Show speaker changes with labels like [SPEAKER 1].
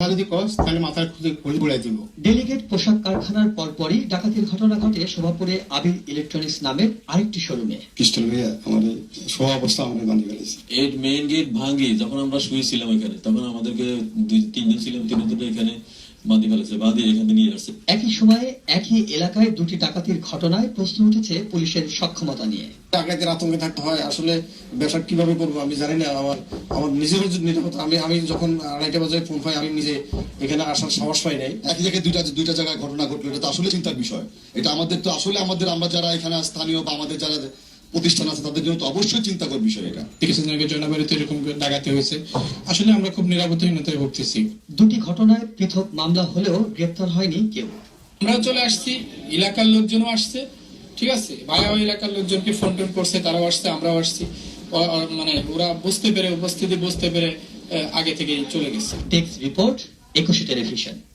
[SPEAKER 1] যদি কস তাহলে মাথার খুঁজে ঘুরাই দিব।
[SPEAKER 2] ডেলিগেট পোশাক কারখানার পরপরই ডাকাতির ঘটনা ঘটে শোভাপুরে আবির ইলেকট্রনিক্স নামের আরেকটি শোরুমে।
[SPEAKER 3] পিস্টল ভাইয়া আমাদের শোয়া অবস্থা আমাদের বান্ধি ফেলেছে।
[SPEAKER 4] এই মেইন গেট ভাঙি যখন আমরা শুয়েছিলাম এখানে, তখন আমাদেরকে 2-3 জন ছিলাম, 3 জন এখানে বাঁধি ফেলেছে, বাঁধি এখানে নিয়ে আসছে।
[SPEAKER 2] একই সময়ে একই এলাকায় দুটি ডাকাতির ঘটনায় প্রশ্ন উঠেছে পুলিশের সক্ষমতা নিয়ে।
[SPEAKER 3] ডাকাতের আতঙ্কে থাকতে হয়, আসলে ব্যবসা কিভাবে করবো আমি জানি না। আমার নিজেরও নিরাপত্তা, আমি যখন 2:30 বাজে ফোন পাই, আমি নিজে এখানে আসার সাহস পাই নাই।
[SPEAKER 5] একই জায়গায় দুইটা জায়গায় ঘটনা ঘটলো, এটা তো আসলে চিন্তার বিষয়। এটা আমাদের তো আসলে আমরা যারা এখানে স্থানীয় বা আমাদের যারা প্রতিষ্ঠান আছে তাদের জন্য তো অবশ্যই চিন্তাকর বিষয় এটা।
[SPEAKER 1] কিছুদিন আগে জয়নাবাড়িতে এরকম ডাকাতি হয়েছে, আসলে আমরা খুব নিরাপত্তাহীনতায় ভুগতেছি।
[SPEAKER 2] দুটি ঘটনায় পৃথক মামলা হলেও গ্রেপ্তার হয়নি কেউ।
[SPEAKER 1] আমরা চলে আসছি, এলাকার লোকজনও আসছে, ঠিক আছে, ভাইয়া এলাকার লোকজনকে ফোন টোন করছে, তারাও আসছে, আমরাও আসছি, মানে ওরা বুঝতে পেরে উপস্থিতি বুঝতে পেরে আগে থেকেই চলে গেছে।
[SPEAKER 2] Text report, 21 television.